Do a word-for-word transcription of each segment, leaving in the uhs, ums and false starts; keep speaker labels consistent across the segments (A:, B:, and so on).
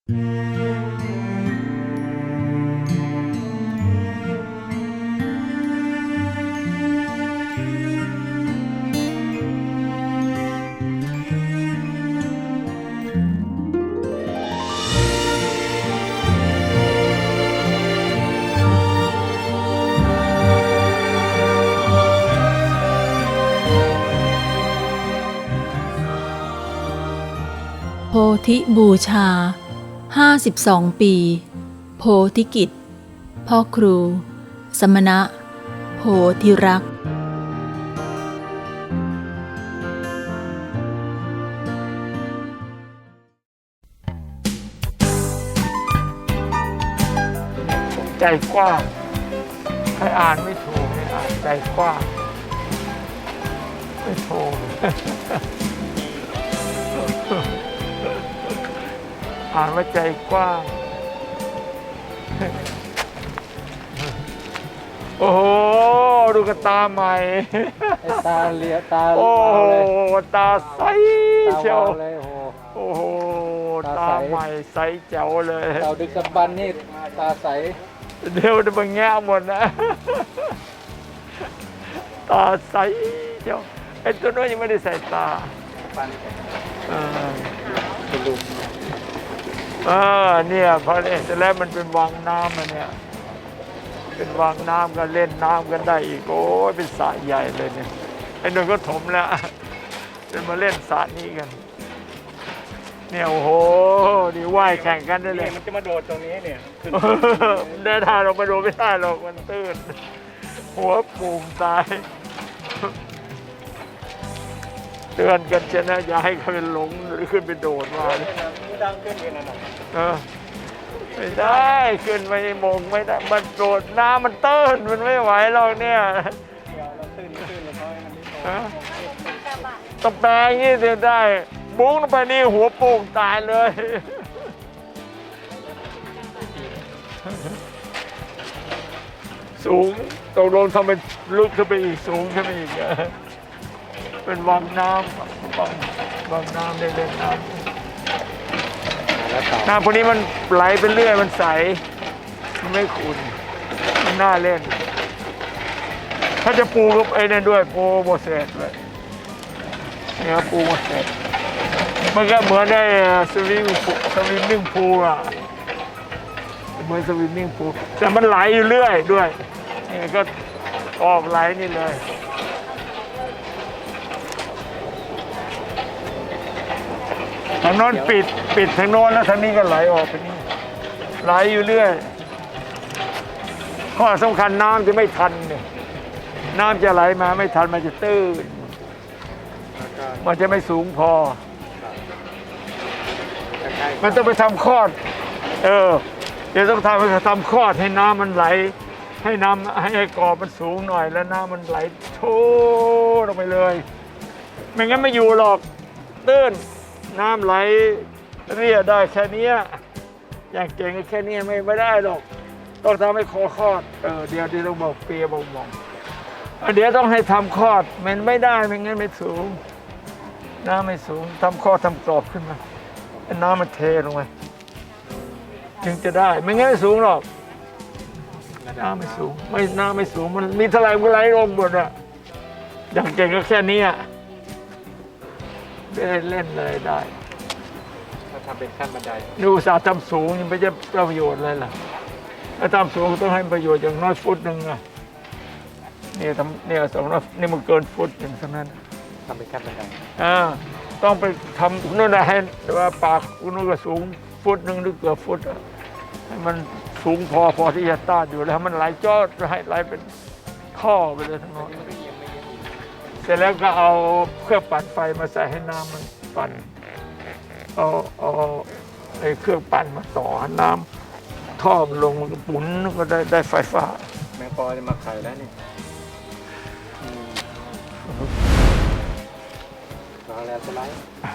A: โพธิบูชาห้าสิบสองปีโพธิกิจพ่อครู สมณะ โพธิรักษ์
B: ใจกว้างใครอ่านไม่ถูกเนี่ยอ่านใจกว้างไม่ถูก อ่านว่าใจกว้าง โอ้โหดูกระตาใหม่
C: ไอ้ตาเลียตา
B: โอ้
C: วาว
B: โห
C: เลย
B: ตาใส
C: ตา
B: เชียว
C: วาวเลยโอ้โห
B: โอ้โห
C: ตา
B: ตา
C: ใส
B: ใหม่ใสแจ๋วเลย
C: เต่าดึกดำบรรพ์นี่ตาใส
B: เดี๋ยวจะมาแง่หมดนะ ตาใสเชียวไอ้ตัวนู้นยังไม่ได้ใส่ตา
C: ปัน
B: เออ
C: เป็นลุง
B: เออเนี่ยพอเนี่ยเสร็จแล้วมันเป็นวังน้ำมันเนี่ยเป็นวังน้ำกันเล่นน้ำกันได้อีกโอ้ยเป็นสระใหญ่เลยเนี่ยไอ้นนท์ก็ถมแล้วเป็นมาเล่นสระนี้กันเนี่ยโอ้โหนี่ว่ายแข่งกันได้เลย
C: มันจะมาโดดตรงนี้เนี่ยขึ้น
B: ได้ทางเราไปดูไม่ได้หรอกมันตื้นหัวปูมตายเตือนกันเช่นนะอย่าให้เขาเป็นหลงหรือขึ้นไปโดดมาเลย
C: ดังขึ้นกันนะ
B: เออไม่ได้ขึ้นไปมงไม่ได้มันโดดน้ำมันตื้นมันไม่ไหวหรอกเนี่ย
C: เดี๋ยวเราตื้นตื้นแล้วก็ให้มันไม่โต
B: ฮะต้องแปลงอย่างนี้ถึงได้บุ้งลงไปนี่หัวโป่งตายเลย สูงตกลงทำเป็นลึกขึ้นไปอีกสูงขึ้นไปอีกอะเป็นวังน้ำวังวังน้ำได้เล่นน้ำ
C: แล้วเต่า
B: น้ำพวกนี้มันไหลไปเรื่อยมันใส มันไม่ขุ่นมันน่าเล่น ถ้าจะปูกับไอ้นั่นด้วยปูโมเสสเลยเนี่ยปูโมเสสมันก็เหมือนได้สวิมสวิมมิ่งพูลอะเหมือนสวิมมิ่งพูลแต่มันไหลอยู่เรื่อยด้วยนี่ก็ออกไหลนี่เลยทางโน้นปิดปิดทางโน้นแล้วทางนี้ก็ไหลออกไปนี่ไหลอยู่เรื่อยข้อสำคัญน้ำจะไม่ทันเนี่ยน้ำจะไหลมาไม่ทันมันจะตื้นมันจะไม่สูงพอ มันต้องไปทำคลอดเออเดี๋ยวต้องทำไปทำคลอดให้น้ำมันไหล ให้น้ำให้กอบมันสูงหน่อยแล้วน้ำมันไหลโชว์ลงไปเลยไม่งั้นไม่อยู่หรอกตื้นน้ำไหลเรียได้แค่เนี้ยอย่างเก่งแค่นี้ไม่ไม่ได้หรอกต้องทำให้คอคลอดเออเดี๋ยวเดี๋ยวต้องบอกเปียบอกมองเดี๋ยวต้องให้ทำคลอดมันไม่ได้ไม่งั้นไม่สูงน้ำไม่สูงทำคลอดทำกรอบขึ้นมาน้ำมันเทลงไปจึงจะได้ไม่งั้นไม่สูงหรอกน้ำไม่สูงไม่น้ำไม่สูงมันมีเท่าไหร่ก็ไหลลงหมดอะอย่างเก่งก็แค่นี้ได้เล่นเลยได้
C: ถ้าทำเป็นขั้นบันได
B: ดูอุตสาห์ทำสูงยังไม่จะประโยชน์เลยล่ะถ้าทำสูงต้องให้ประโยชน์อย่างน้อยฟุตหนึ่งอะเนี่ยทำเนี่ยสองร้อยนี่มันเกินฟุตหนึ่งเท่านั้น
C: ทำเป็นขั้นบันได
B: อ่าต้องไปทำนู่นนะให้ว่าปากคุณนู่นก็สูงฟุตหนึ่งหรือเกือบฟุตอะให้มันสูงพอพอที่จะต้านอยู่แล้วให้มันไหลจอดให้ไหลเป็นท่อไปเลยทั้งหมดเสร็จแล้วก็เอาเครื่องปั่นไฟมาใส่ให้น้ำมันปั่นเอาเอาไอ้เครื่องปั่นมาต่อให้น้ำท่อมันลงมันก็หมุนก็ได้ได้ไฟฟ้า
C: แมงปอจะมาไข่แล้วนี่รอแล้วสไลด์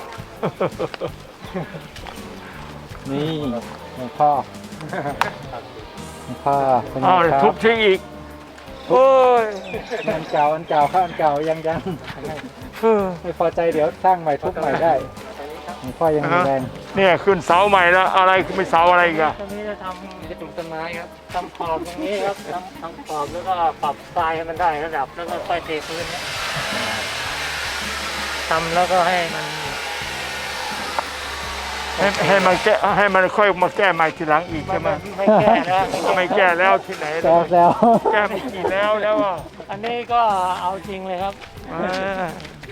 C: นี่หลวงพ่อหลวงพ่อเป็นไง
B: อ้าว
C: ครั
B: ทุ
C: บบ
B: ทิ้งอีกโอ้ย
C: อันเก่าอันเก่าข้าอันเก่ายังยัง
B: เออ
C: ไม่พอใจเดี๋ยวสร้างใหม่ทุบใหม่ได้หลวงพ่อยังมีแรง
B: เนี่ยขึ้นเสาใหม่แล้วอะไรคือไม่เสาอะไรอีกัน
D: ตรงนี้จะทำกระจุกต้นไม้ครับทำขอบตรงนี้ครับทำทำขอบแล้วก็ปรับทรายให้มันได้ระดับแล้วก็ค่อยเทพื้นเนี่ยทำแล้วก็ให้มัน
B: ให้ให้มันแก้ให้มันค่อยมาแก้ใหม่ทีหลังอีกใช่ไหม
D: ไม่แก้แล้ว
B: ไม่แก้แล้วที่ไหน
C: แซ
B: แล้ว
C: วแซว
B: แก้ไม่กี่แล้วแล้วอ่ะ
D: อันนี้ก็เอาจริงเลยครับ
B: อ่า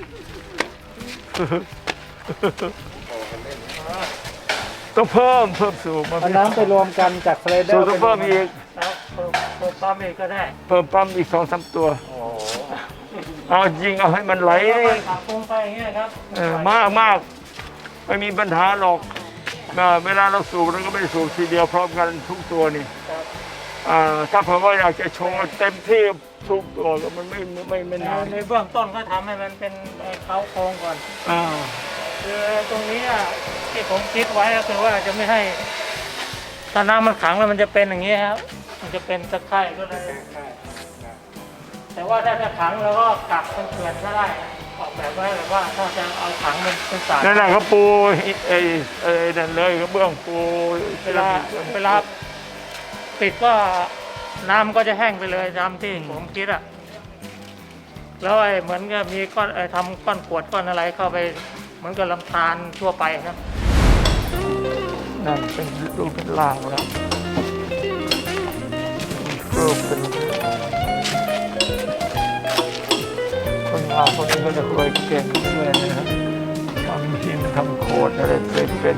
B: ต้องเพิ่มเพิ่มสูงมา
C: เอาน้ำไปรวมกันจากสไลเดอ
B: สูง
C: ร์
B: ต้องเพิ่มอีก
D: แล้วเพิ่มเพิ่มปั๊มอีกก็ได้
B: เพิ่มปั๊มอีกสองสามตัวเอาจริงเอาให้มันไหล
D: แล้วก็ปรับปรุงไปอย่างเงี้ยครับ
B: เออมากมากไม่มีปัญหาหรอกเอ่อเวลาเราสูบเราก็ไม่ได้สูบทีเดียวพร้อมกันทุกตัวนี่อ่าถ้าเผื่อว่าอยากจะโชว์เต็มที่ทุกตัวก็มันไม่ไม่ไม่
D: ใน
B: นาน
D: ในเบื้องต้นก็ทำให้มันเป็นไอ้เขาโครงก่อน
B: อ่า
D: คือตรงนี้อะที่ผมคิดไว้ก็คือว่าจะไม่ให้ถ้าน้ำมันขังแล้วมันจะเป็นอย่างนี้ครับ มันจะเป็นตะไคร่ก็เลยแต่ว่าถ้าจะขังแล้วก็กักเป็นเขื่อนก็ได้ออกแบบไว้แบบว่าถ้าจะเอาขังมันเป็นสาย
B: นั่นแหละเขาปูไอ้ไอ้นั่นเลยเขาเบื้องปู
D: เวลาเวลาปิดก็น้ำก็จะแห้งไปเลยตามที่ผมคิดอ่ะแล้วไอ้เหมือนกับมีก้อนไอ้ทำก้อนกรวดก้อนอะไรเข้าไปเหมือนกับลำธารทั่วไปครับ
B: นั่นเป็นรูปเป็นล่างแล้วรูปเป็นคนงานคนนี้ก็จะเคยเก่งด้วยนะครับทำหินทำโคดอะไรเป็นเป็น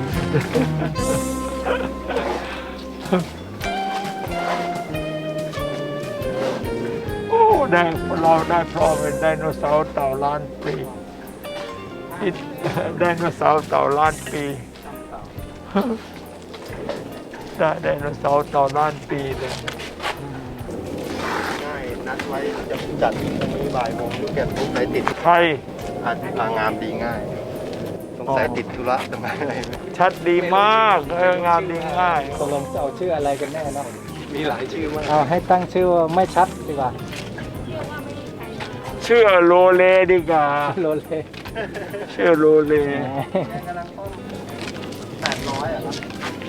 B: โอ้ได้เราได้พร้อมเป็นไดโนเสาร์เต่าล้านปีไดโนเสาร์เต่าล้านปีได้ไดโนเสาร์เต่าล้านปีเลย
E: ง่ายนัดไว้จะจัดตรงนี้บ่ายโมงยูแกนทุกสายติด
B: ใคร
E: อาจพางามดีง่ายสงสัยติดธุระทำไมอะไรไม่
B: ชัดดีมากเอองามดีง่าย
C: ตกลงจะเอาชื่ออะไรกันแน่เนาะ
E: มีหลายชื่อมาก
C: เอาให้ตั้งชื่อว่าไม่ชัดดีกว่า
B: เชื่อโลเลดีกว่า
C: โลเล
B: เชื่อโลเล
E: แปดร้อยอ่ะครับ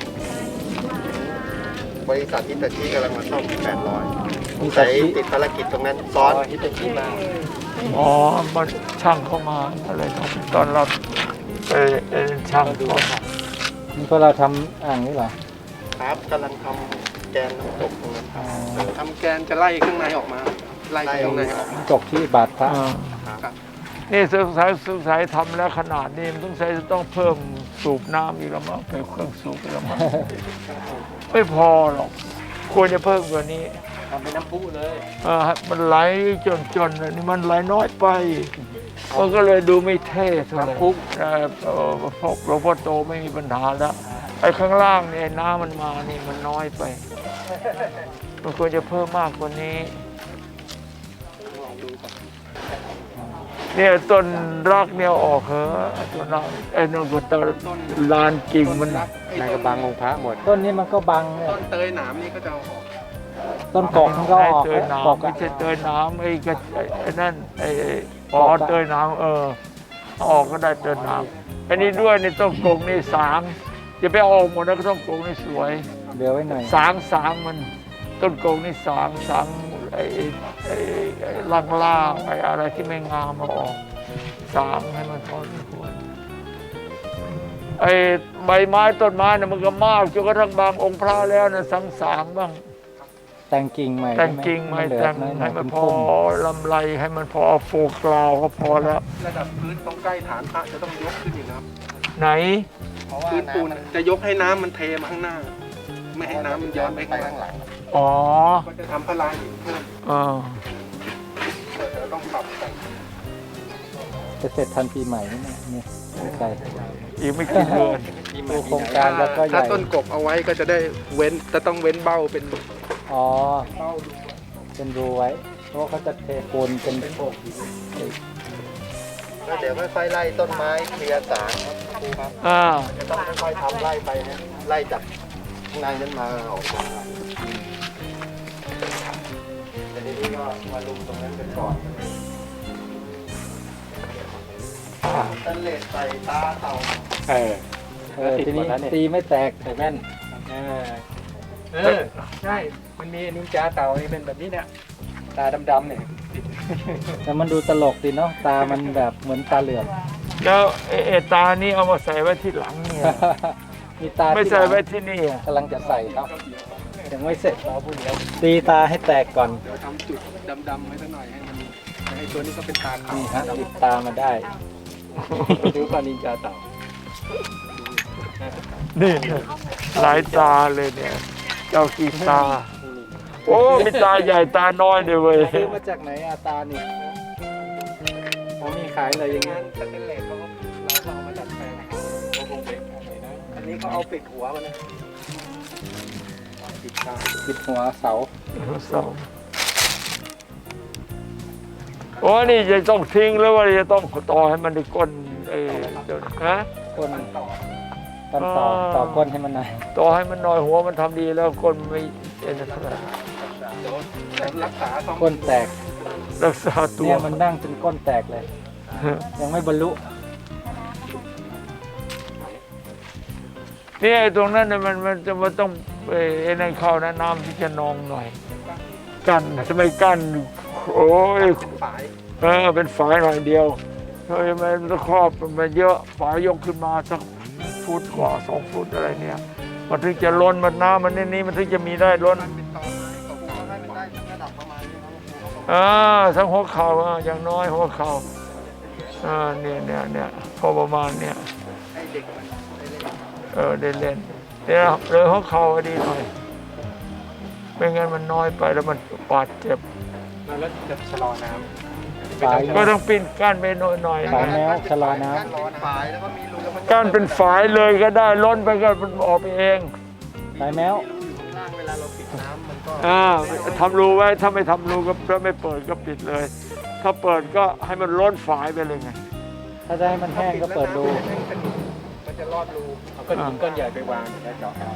E: บริษัทฮิตาชิกำลังมาซ่อมแปดร้อยสงสัยติดภารกิจตรงนั้นซ้อนฮิตาชิมา
B: อ๋อมันช่างเข้ามาอะไรตอนตอนรับไปเอ็นช่างเข้ามา
C: นี่พวกเราทำอ่างนี่เหรอ
E: ครับกำลังทำแกนน้ำตกตรงนั้นครับ
F: ทำแกนจะไล่ข้างในออกมา ไล่ข้างในออกมา
C: จบที่บาทพระ
B: อ่า
F: ครับ
B: นี่สงสัยสงสัยทำแล้วขนาดนี้มันต้องใช้จะต้องเพิ่มสูบน้ำอีกแล้วมั้งเพิ่มเครื่องสูบอีกแล้วมั้งไม่พอหรอกควรจะเพิ่มกว่านี้
F: ทำเป็นน้ำพุเลย
B: เออมันไหลจนๆเลยนี่มันไหลน้อยไปมันก็เลยดูไม่เท่เท่าไหร่เออเออพวกหลวงพ่อโตไม่มีปัญหาแล้วไอ้ข้างล่างเนี่ยน้ำมันมานี่มันน้อยไป มันควรจะเพิ่มมากกว่านี้ เนี่ยต้นรักเนี่ยออกเหอะต้นรักไอ้นนก็ต้นลานกิ่งมัน
E: ในกระบังองค์พระหมด
C: ต้นนี้มันก็บังเนี่ย
F: ต้นเตยหนามนี่ก็จะเอาออก
C: ต้นกอกมันก็ออก
B: เตยน้
C: กอก
B: ำไม่
C: อะ
B: ใช่เตยน้ำไอ้กระไอ้นั่นไอ้อ๋อเตยน้ำเออเอาออกก็ได้เตยน้ำอันนี้ด้วยในต้นกงนี่สางอย่าไปเอาออกหมดนะต้นกงนี่สวย
C: เดี๋ยวไว้หน่อย
B: สางสางมันต้นกงนี่สางสางไอ้ไอ้ไอ้ล่างล่างๆไอ้อะไรที่ไม่งามมาออกสางให้มันพอสมควรไอ้ใบไม้ต้นไม้เนี่ยมันก็มากจนกระทั่งบางองค์พระแล้วนะสังสางบ้าง
C: แต่งกิ่งใหม่
B: แต่งกิ่งไม้
C: เหลือ
B: แต่ง
C: น้อยๆ
B: ให้มันพ
C: พุ่
B: อ
C: ม
B: ลำไรให้มันพอโฟกราวก็พอแล้ว
F: ระดับพื้นต้องใกล้ฐานพระจะต้องยกขึ้นอยู่นะครับ
B: ไหน
E: เพราะว่า
F: พื้นปูน
E: น้ำมัน
F: จะยกให้น้ำมันเทมาข้างหน้า ไม่ให้น้ำมันย้อนไป
E: ไป
F: ข้าง
E: ข้าง
F: ห
E: ห
F: ลั
E: ลั
F: ง
E: ง
B: อ๋อ
F: ก็จะทำพลายหินเพิ่ม
B: เออ
F: เดี๋ยวต้องปรับแต่ง
C: จะเสร็จทันปีใหม่นี่เนี่ยเนี่ยไม่ไกล
B: อีกไม่กี่เดือน
C: ดูโครงการแล้วก็ให
F: ถ้า
C: ญ่
F: ต้นกบเอาไว้ก็จะได้เว้นจะต้องเว้นเบ้าเป็น
C: อ๋อ
F: เบ้าดู
C: เป็นรูไว้ เพราะว่าเขาจะเทปูนเป็น
E: แล้วเดี๋ยวค่อยๆไล่ต้นไม้เคลียร์สางครับครูครับ
B: อ่า
E: จะต้องค่อยๆทำไล่ไปนะไล่จากข้างในนั้นมาออกมาแต่ทีนี้ก็มาลุมตรงนั้นกันก่อนสแตนเลสใส่ตาเต่า
C: เออเออทีนี้ตีไม่แตกใส่แว่น
F: เออเออใช่มันมีนินจาเต่านี่เป็นแบบนี้เนี่ยตาดำๆเนี่ย
C: แต่มันดูตลกดีเนาะตามันแบบเหมือนตาเหลือก
B: แล้วไอ้ไอ้ตานี่เอามาใส่ไว้ที่หลังเนี่ย
C: มีตา
B: ไม่
C: ที่
B: ใส่ไว้ที่นี่อะ
C: กำลังจะใส่ครับยังไม่เสร็จเราพูดเดียวตีตาให้แตกก่อน
F: เดี๋ยวทำจุดดำๆไว้สักหน่อยให้มันไอ้ตัวนี้ก็เป็นตาขาว
C: นี่ฮะติดตามาได้
F: ดูก่อนนินจาเต่า
B: นี่หลายตาเลยเนี่ย เจ้ากี่ตา โอ้มีตาใหญ่ตาน้อยเดียวเว้ย
C: ซื้อมาจากไหนอะตานี่เขามีขายเลยอย่างเงี้
F: งาย นสเตนเลสเขาเราก็เอามาดัดแปลงเขาคงเป็นอะไรนะอันนี้เขาเอาปิดหัวมันนะปิดตา
C: ปิดหัวเสา
B: สองโอ้นี่จะต้องทิ้งแล้วว่าจะต้องต่อให้มันได้ก้นเออเดี๋ยวนะฮะ
C: ก้นก้นต่อต่อก้นให้มันหน่อย
B: ต่อให้มันหน่อยหัวมันทำดีแล้วก้นไม่เอ็นเท่าไหร่
F: เดี๋ยวรักษาสอง
C: ก้นแตก
B: รักษาตัว
C: เนี่ยมันนั่งจนก้นแตกเลย ยังไม่บรรลุ
B: เนี่ยไอ้ตรงนั้นเนี่ยมันมันจะมันต้องเอ่อไอ้นั่นเข้านะน้ำที่จะนองหน่อย กั้นทำไมกั้นโอ้ย
F: ฝาย
B: เออเป็นฝายหน่อยเดียวเฮ้ยมันต้องครอบมันเยอะฝายยกขึ้นมาสักฟุตกว่าสองฟุตอะไรเนี่ย มันถึงจะล้นมันน้ำมันนี่นี่มันถึงจะมีได้ล้น
E: มันเป็นตอนไม้ก็คงให้มันได้ระดับประมาณนี้ครับ
B: อ่าทั้งหัวเข่าอ่ะอย่างน้อยหัวเข่าอ่าเนี่ยเนี่ยเนี่ยพอประมาณเนี่ย
E: ให้เด็กมันได้เล่น
B: เออได้เล่นเนี่ยเลยหัวเข่าให้ดีหน่อยไม่งั้นมันน้อยไปแล้วมันบาดเจ็บ
F: แล้วจะชะลอน้ำ
C: ฝาย
B: ก็ต้องปิ้นก้านไปหน่อยหน่อย
C: ฝาย
B: นะ
C: แมวชะลอน้
E: ก้านร้อนฝายแล้วก็มีรูแล้วมัน
B: ก้านเป็นฝายเลยก็ได้ล้นไปก็มันออกไปเอง
C: ำฝายแมว
E: มีรูอยู่ข้างล่างเวลาเราปิดน้ำมันก็
B: อ่าทำรูไว้ถ้าไม่ทำรูก็ถ้าไม่เปิดก็ปิดเลย ถ้าเปิดก็ให้มันล้นฝายไปเลยไง
C: ถ้าจะให้มันแห้งก็เปิดดู
F: มันจะรอดรูเอาก้อนหินก้อนใหญ่ไปวางแล้วเจาะเอา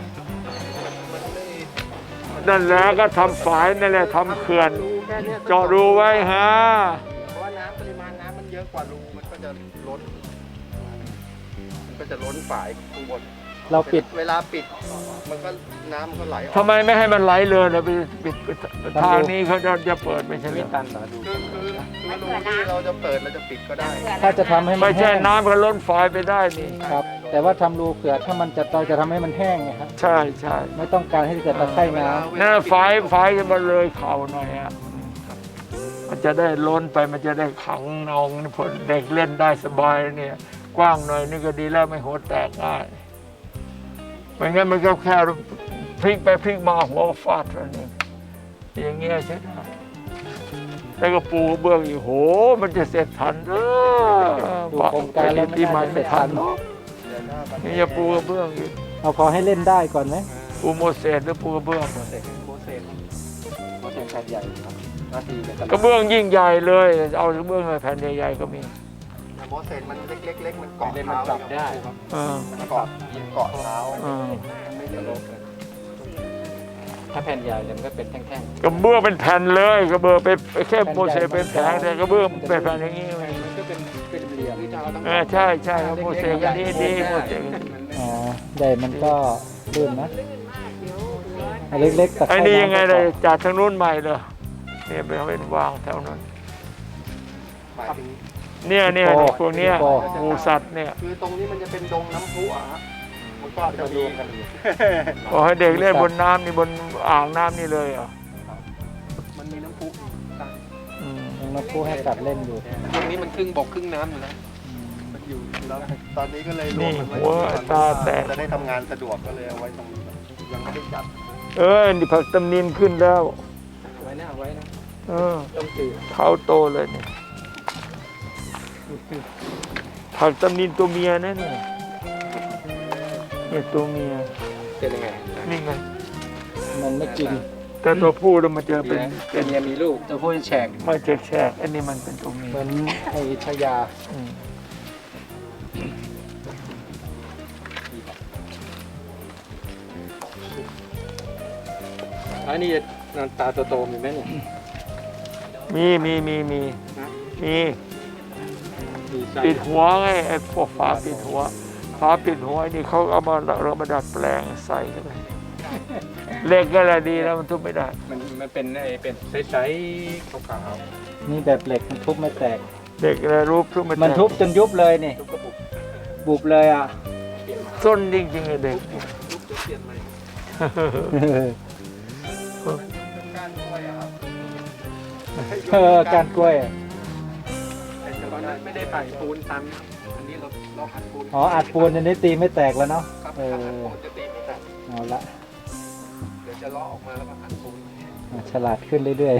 B: นั่นแหละก็ทำฝายนั่นแหละทำเขื่อน
E: รูแค่เนี้ย
B: เจาะรูไว้ฮะ
E: เพราะว่าน้ำปริมาณน้ำมันเยอะกว่ารูมันก็จะล้น มันก็จะล้นฝายข้างบน
C: เราปิด
E: เวลาปิด มันก็น้ำมันก็ไหลออก
B: ทำไมไม่ให้มันไหลเลยนะไปปิดทางนี้เขาจะจะเปิดไม่ใช่เหร
C: ไม่
B: อ
C: ตันเหรอดู
E: คือคือคือรูที่เราจะเปิดเราจะปิดก็ได้
C: ถ้าจะทำให้มัน
B: ไม่ใช่
C: แห้ง
B: น้ำก็ล้นฝายไปได้นี่
C: ครับ แต่ว่าทำรูเผื่อถ้ามันจะเราจะทำให้มันแห้งไงครับ
B: ใช่ใช่
C: ไม่ต้องการให้เกิดตะไคร่น้
B: นั่นฝายฝายจะมาเลยเข่าหน่อยอ่ะมันจะได้ล้นไปมันจะได้ขังนองผลเด็กเล่นได้สบายเนี่ย กว้างหน่อยนี่ก็ดีแล้วไม่หัวแตกง่ายไม่งั้นมันก็แค่พลิกไปพลิกมาหัวฟาดแล้วนี่อย่างเงี้ยใช่ไหมแล้วก็ปูกระเบื้องอีกโห มันจะเสร็จทันเออ
C: ำดูโครงการแล้วไม่
B: ปีใหม่
C: น่าจะเส
B: ไม่
C: ร็จ
B: ทั
C: ทั
B: น
C: น
B: นี่จะปูกระเบื้องอีก
C: เอาพอให้เล่นได้ก่อนไหม
B: ปูโมเสสหรือปูกระเบื้อง
F: เสร็จโปรเซสโปรเซสแผ่นใหญ่ครับหน้าที่เป็น
B: กระเบื้องยิ่งใหญ่เลยเอากระเบื้องแผ่นใหญ่ๆก็มี
E: แต่โมเสสมันเล็กๆเล็กมันเกาะ
F: เล่นมัน
E: เท้า
F: ปรับได้
B: เออ
E: มันเกาะเกาะเท้า
B: เออ
E: ไม่เดือดร้อน
F: ถ้าแผ่นใหญ่เนี่ยมันก็เป็นแท่ง
B: กระเบื้องเป็นแผ่นเลยกระเบื้องเป็นแค่โมเสสเป็นแผงแต่กระเบื้องเป็นแผ่นอย่างนี้
F: ๆมันก็เป็นเป็นเหลี่ยมที่จะเอาทั้ง
B: เออใช่ใช่โมเสสก็ดีดีโมเสส
C: อ๋อใหญ่มันก็ลื่นนะอันเล็กๆตะไค
B: ไอ้
C: ร่
B: นี่ยังไง
C: น้ำ
B: เลยจากทางนู้นใหม่เลยเนี่ยไปเป็นวางแถวนั้น
E: หมายถึง
B: เนี่ยเนี่ยพวกเนี้ยหมูสัตว์เนี่ย
E: คือตรงนี้มันจะเป็นดงน้ำพุอ่ะฮะมันก็จะมี
B: ขอให้เด็กเล่นบนน้ำนี่บนอ่างน้ำนี่เลยเหรอ่ะ
E: มันมีน้ำพุ
B: อืม
C: ยังมาพูดให้สัตว์เล่นอยู่
F: ตรงนี้มันครึ่งบกครึ่งน้ำอยู่นะ
E: มันอยู่แล้วตอนนี้ก็เลยรว
B: นี่
E: มมันไว้
B: หัวตาแตก
E: จะได้ทำงานสะดวกก็เลยเอาไว้ตรงนี้ยังไม่ได้จัด
B: เออนี่ผักตำนินขึ้นแล้ว
F: ไว้นะไว้นะ
B: เออ
F: ต้องตื่น
B: เขาโตเลยเนี่ยผักตำนินตัวเมียนะเนี่ยเนี่ยตัวเมีย
F: เป็นยังไง
B: นี่ไง
C: มันไม่กิน
B: แต่ตัวผู้แล้วมันจะเป็น
F: เป็นเมียมีลูกตัวผู้แฉก
B: ไม่แฉกแฉกอันนี้มันเป็นตัวเมีย
C: เหมือนไอ้ชายา
B: อืม
F: อันนี้นอนตาโตๆมีไหมเนี่ย
B: มีมีมีมีมี
F: มีไส้
B: ปิดหัวไงไอ้พวกฝาปิดหัวฝาปิดหัวนี่เขาเอามาเรามาดัดแปลงใส่เข้าไปเหล็กก็แหละดีแล้วมันทุบไม่ได้
F: มันมันเป็นไอ้เป็นใสๆขาว
C: นี่แบบเหล็กมันทุบไม่แตก
B: เด็กอะไรรูปทุบไม่ได้
C: มันทุบจนยุบเลยนี่
F: ๆทุกกระปุก
C: บุบเลยอ่ะ
F: เปลี่ยนมา
B: ส้นจริงๆเลยเด็ก
F: ทุกจะเปลี่ยนใหม่การกล้วยอะครับ
C: เออการกล้วย
F: แต่ตอนนั้นไม่ได้ใส่ปูนตันอันนี้เราเราอัดปูน
C: อ๋ออัดปูนอันนี้ตีไม่แตกแล้วเนาะ
F: ครับ
C: เอ
F: อัด
C: อ
F: ปูนจะตีไม่แตก
C: เอาละ
F: เดี๋ยวจะเลาะออกมาแล้วก็อัดปูน
C: อ่ะฉลาดขึ้นเรื่อย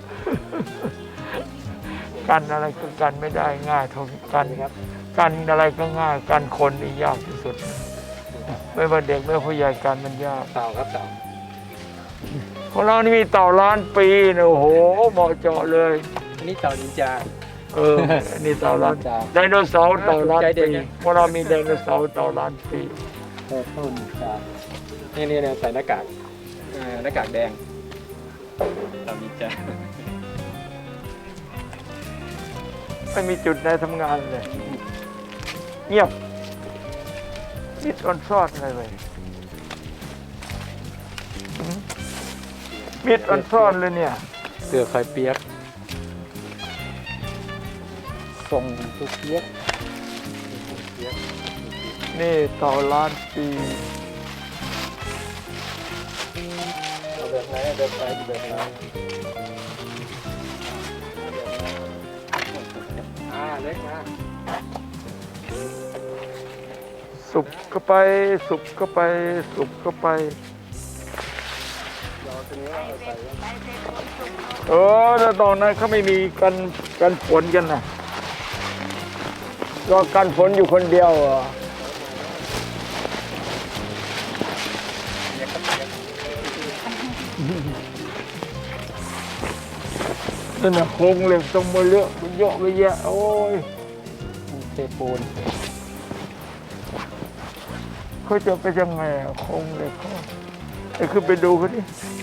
B: กันอะไรก็กันไม่ได้ง่ายเท่ากันครับกันอะไรก็ง่ายกันคนนี่ยากที่สุด ไม่ว่าเด็กไม่ว่าผู้ใหญ่กันมันยาก
F: เต่าครับเต่า
B: ของเรานี่มีเต่าล้านปีนะโอ้โหเหมาะเจาะเลย
F: อันนี้เต่านินจา
B: เออนี่เต่าล้านไดโนเสาร์เต่าล้าน
F: ใจเด็
B: ปี
F: กไง
B: เพราะเรามีไดโนเสาร์เต่าล้านปี
C: ๆเออต้นจาก
F: นี่นี่เนี่ยใส่หน้ากากเอ่อหน้ากากแดงเต่านินจา
B: ไม่มีจุดไหนทำงานเลย เงียบมิดออนซอดอะไรเลยหืมมิดออนซอนเลยเนี่ย
F: เสือคอยเปียก
C: ส่งตุกเย็ก
B: นี่ต่อล้านปี
F: เอาแบบไหนเอาแบบไหนแบบไหนอ่าเล็กนะ
B: สุบก็ไป สุบก็ไป สุบก็ไป
F: เราตัวนี้เอาใส่
B: เออแล้วตอนนั้นเขาไม่มีกันกันฝนกันนะก็กันฝนอยู่คนเดียวเหรอนั่นน่ะโครงเหล็กตรงมือเลือกมันเยอะไปแยะโอ้ย
C: เทปูน
B: เขาจะไปยังไงอะโครงเหล็กเขาไอ้ขึ้นไปดูเขาดิ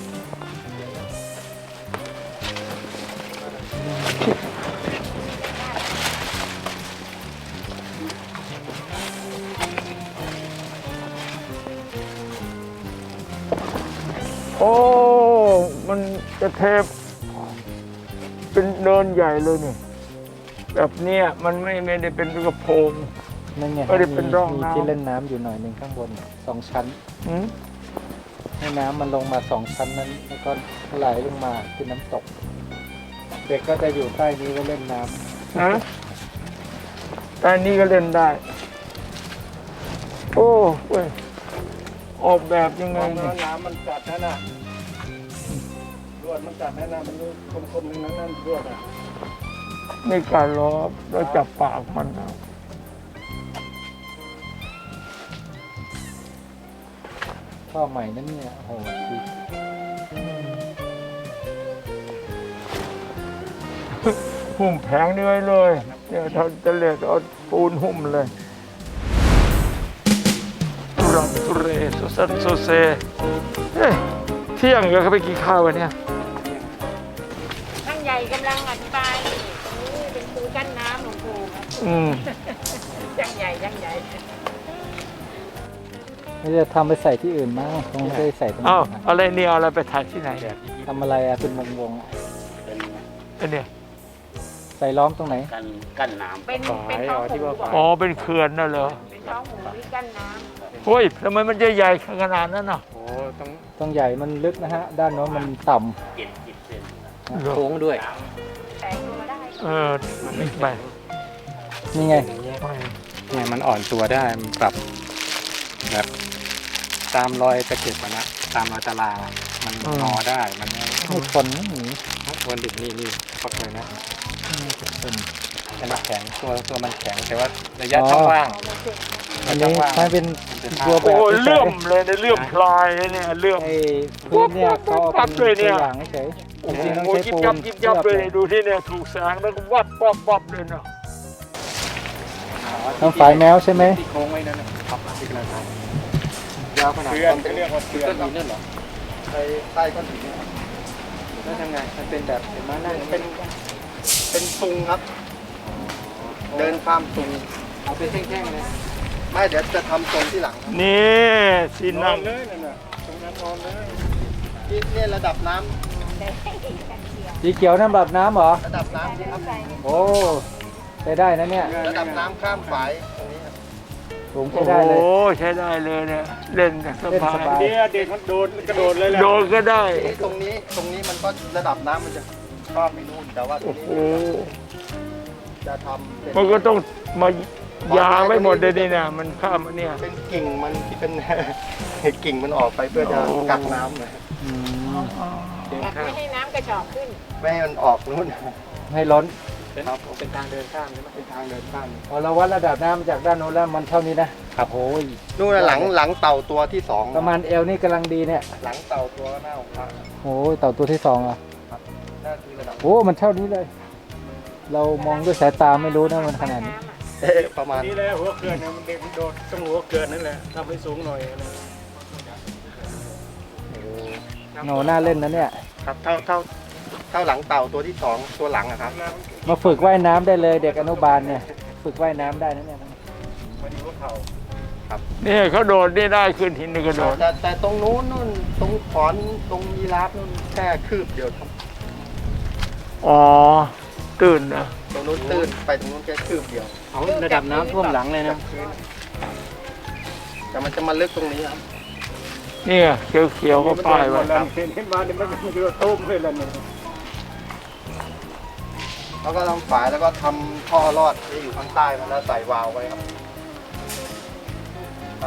B: โอ้ มันจะเทปเป็นเนินใหญ่เลยนี่ แบบเนี้ยมันไม่ไม่ได้เป็นกระโปรง
C: นั่นไง
B: ไม่ได้เป็นร่อง
C: มี
B: น้ำ
C: ที่เล่นน้ำอยู่หน่อยหนึ่งข้างบนสองชั้น
B: หืม
C: ให้น้ำมันลงมาสองชั้นนั้น แล้วก็ไหลลงมาเป็นน้ำตก เด็กก็จะอยู่ใต้นี้ไว้เล่นน้ำ
B: ฮะแต่อันนี้ก็เล่นได้ โอ้เว้ยออกแบบยังไง
F: มอง
B: เนี่
F: แล้
B: ยว
F: น้ำมันกัดนั่นน่ะรวดมันกัดนั่นน่ะมันคมๆนึงนั่นนั่นรวดอ่ะ
B: ไม่การล้อแล้วจับปากมันเอา
C: ท่อใหม่นั่นเนี่ยโอ้โหดี
B: หุ้มแผงนี้ไว้เลยเนี่ยเขาจะเรียกเอาปูนหุ้มเลยทุรังทุเรสุสันโซเซเฮ้ยเที่ยงเดี๋ยวเขาไปกินข้าวกันเนี่ย
G: ท่านใหญ่กำลังอธิบายนี่ตรงนี้เป็นปูกั้นน้ำหลวงปู่ครับ
B: อืม
G: ยังใหญ่ยังใหญ่
C: ไม่ได้ทำไปใส่ที่อื่นมั้งคงไม่ได้ใส่ตรงนี้
B: อ้าว
C: นะ
B: อะไรเนี่ยเอาอะไรไปถ่ายที่ไหน
C: ทำอะไรอะเป็นวงวงๆอะ
B: ไอ้เนี่ย
C: ใส่ล้อมตรงไหน
H: กันกั้นน้ำ
G: เป็นเป็นท้องหมูบอก
B: อ๋อเป็นเขื่อนน่ะเหรอ
G: เป็นท้องหมูที่กั้นน้
B: เฮ้ยทำไมมันจะใหญ่ขนาดนั้นน่ะ
F: โอ้ต้อง
C: ตรงใหญ่มันลึกนะฮะ ด้านโน้นมันต่
H: เจ็ดสิบเซน
C: ำ
F: โค้งด้วย
G: ำแตกลงมาได้
B: เออไม่
C: นี่ไง
F: เนี่ยมันอ่อนตัวได้มันปรับแบบตามรอยตะเข็บอะนะตามรอยตารางอะมันงอได้มันไม่
C: ไม่ทนนะหนี
F: วันดิบนี่นี่ปักเลยนะ
C: ไม่ทน
F: แต่มันแข็งตัวตัวมันแข็งแต่ว่าระยะช่องว่าง
C: อันนี้ใช้เป็นตัวแบ
B: โอ้
C: บ
B: ยเลื่อมเลยเนี่ยเลื่อมพลายเลยเนี่ยเลื่อม
C: ไอ้พื้นเนี่ยเขาเอา
B: ปั๊บ
C: เป็น
B: เลยเนี่
C: ตัวย อย่างเฉยๆ
B: โอ้
C: จริงๆต้อง
B: โห
C: ใช้
B: ยิบ
C: ปู
B: ยั
C: น
B: บยิบยับเลยดูที่เนี่ยถูกแสงแล้วก็วับวับวับเลยเนาะ
C: ต้องฝายแมวใช่ไหม
F: ที่โค้งไว้นั่นนะครับที่กำลังทำยาวขนาดเพื่อนจะเรียกว่าเพื่อนหินนั่นเหรอใต้ใต้ก้อนหินเนี่ยแล้วทำไงมันเป็นแบบเห็นไหมนั่งเป็นเป็นซุงครับ เดินข้ามซุงเอาเป็นแท่งๆเลย
E: ไม่เดี๋ยวจะทำตรงที่หลังครับ
B: นี่ที่นั่ง
C: เลยนั่นน่ะตรงนั้นนอนเลย
E: ที่เนี่ยระดับน้ำ
C: สีเขียวน้ำแบบน้ำเหรอ
E: ระดับน้ำที่ครับ
C: โอ้ใช้ได้นะเนี่ย
E: ระดับน้ำข้ามฝายตรงนี้ครับ
C: สูง
B: โอ้
C: ใช้
B: โห
C: ได้เลย
B: ใช้ได้เลยเนี่ยเล่นส
C: เล่น
B: บา
C: ส
B: ย
C: บาย
F: เดี๋ยวเด็กมันโดดกระโดดเลยแหละ
B: โดนก็ได้
E: ทีนี้ตรงนี้ตรงนี้มันก็ระดับน้ำมันจะข้ามไปนู่นแต่ว่าตร
B: โอ้
E: ง
B: โห
E: นี้จะทำเป็น
B: มันก็ต้องมายาไว้หมดเลยนี่นะมันข้ามอันเนี่ย
E: เป็นกิ่งมันที่เป็น กิ่งมันออกไปเพื่อจะกักน้ำนะ
C: อืม
G: ไม่ให้น้ำกระชอกขึ้น
E: ไม่ให้มันออกนู่น
C: ให้ล้น
E: ครับผม
F: เป็นทางเดินข้ามใช่ไหม
E: เป็นทางเดินข้าม
C: พอเราวัดระดับน้ำมาจากด้านโน้นแล้วมันเท่านี้นะครับโอ้ย
E: นู่นน่ะหลังหลังเต่าตัวที่สอง
C: ประมาณเอวนี่กำลังดีเนี่ย
E: หลังเต่าตัวหน้าของพระ
C: โอ้ยเต่าตัวที่สองอ่ะ
E: นั่นคือระดับ
C: โอ้มันเท่านี้เลย เรามองด้วยสายตาไม่รู้นะมันขนาดนี้
E: เอ๊ะประมาณ
F: นี่แหละหัวเกลือนเนี่ยมันเด็กมันโดดต้องหัวเกลือนนั่นแหละทำให้สูงหน่อยนะ
C: โหน่าเล่นนะเนี่ย
E: ครับเท่าเท่าเท่าหลังเต่าตัวที่สองตัวหลังอะครับ
C: มาฝึกว่ายน้ำได้เลยเด็กอนุบาลเนี่ย ฝึกว่ายน้ำได้นะเนี่ย
B: นี่เขาโดดนี่ได้ขึ้นหินนี่ก็โดด
E: แต่แต่ตรงนู้นนู่นตรงขอนตรงยีราฟนู่นแค่คืบเดียวครับ
B: อ๋อตื่นนะ
E: ตรงนู้นตื้นไปตรงนู้นแค่คืบเดียว
F: เอาระดับน้ำท่วมหลังเลยนะ
E: แต่มันจะมาลึกตรงนี้ครับ
B: เนี่ยเขียวเขียวๆก็ป้ายไว้ครับ
F: เห็นเห็นมาเนี่ยมันมันจะตุ้มเลยล่ะเนี่ย
E: แล้วก็ทำฝายแล้วก็ทำท่อรอดที่อยู่ข้างใต้มันแล้วใส่วาล์วไว้ครับใช่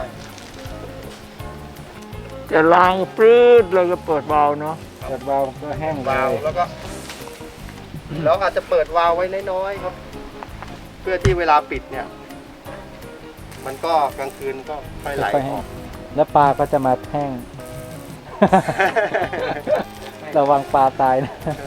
B: จะล้างปลื้ดแล้วก็เปิดเบาล์วเนาะ
C: เกิดวาล์วก็แห้งเล
E: วาล์วย แล้วก็ แล้วอาจจะเปิดวาล์วไว้น้อยๆครับ เพื่อที่เวลาปิดเนี่ย มันก็กลางคืนก็ค่อยไหล
C: ค่อย
E: อ
C: แห้
E: อง ก
C: แล้วปลาก็จะมาแห้ง ระวังปลาตายนะ
E: เอ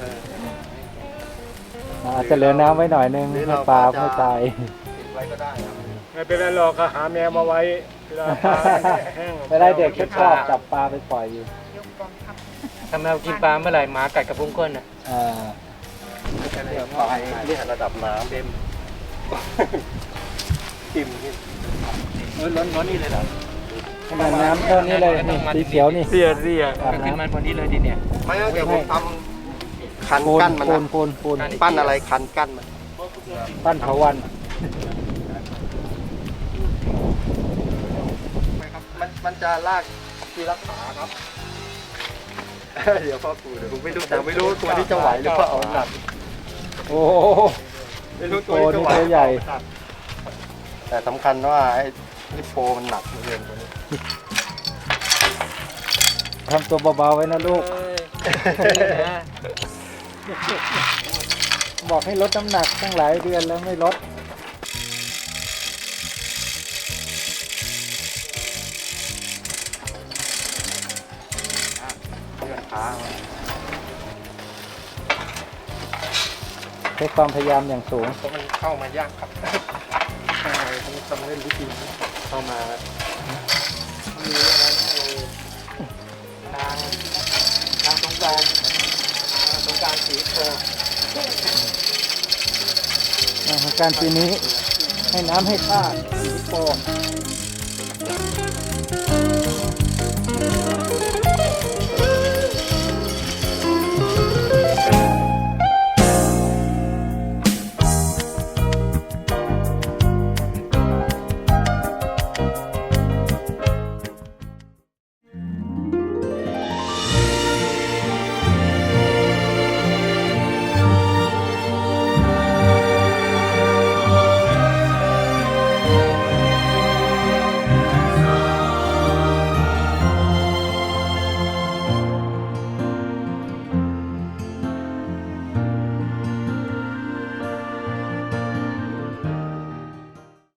E: อ
C: อาจจะเหลือน้ำไว้หน่อยนึง
E: หรือ
C: ให้
E: เรา
C: ปลา
E: ก็จะ
C: ไม่ตาย
E: ปิดไว้ก็ได้ครับ
F: ไม่เป็นไรหรอกก็หาแมวมาไว้เวลาปลาแห้ง
C: ไม่ได้เด็กชอบจับปลาไปปล่อยอยู่
F: ถ้าแมวกินปลาเมื่อไหร่หมากัดกระพุ้งก้นน่ะ
C: อ่า
E: เนี่ยปลายเนี่ยระดับน้ำเต็มจิ้มนี่
F: เออล้นล้นนี่เลยเหรอ
C: ขนาดน้ำเท่านี้เลยนี่สีเขียวนี่
B: เรียเรีย
C: อาบ
F: ขึ้น
C: น้ำ
F: มาพอดีเลยดิเนี่ย
E: ไม่งั้นเดี๋ยวผมทำคัน
C: ปูน
E: กั้นมัน
C: ปู
E: นะ
C: นปูนปูน
E: ปั้นอะไรคันกั้นมัน
C: ปั้นเถาวัน
E: มันมันจะลากทีละขาครับ เดี๋ยวพ่อปู่เดี๋ยวผมไม่รู้แต่ไม่รู้ตัวที่จะไหวหรือเปล่าหนัก
C: โอ้โห
E: ไม่รู้ตัว
C: โอ้
E: ที่จะ
C: นี่
E: ไหว
C: ตัวใหญ่
E: แต่สำคัญว่าไอ้ลิโปมันหนักเหลือเกินตัวนี้
C: ทำตัวเบาๆไว้นะลูก บอกให้ลดน้ำหนักตั้งหลายเดือนแล้วไม่ลด
E: เลื่อนขาเอา
C: ใช้ความพยายามอย่างสูง
E: เพราะมันเข้ามายากครับใช่ต้องต้องเล่นวิธีนี้เข้ามามีอะไรนะทางทางสงกรานต์ทางสงกรานต์สีโต
C: ของการปีนี้ให้น้ำให้ท่าสีโป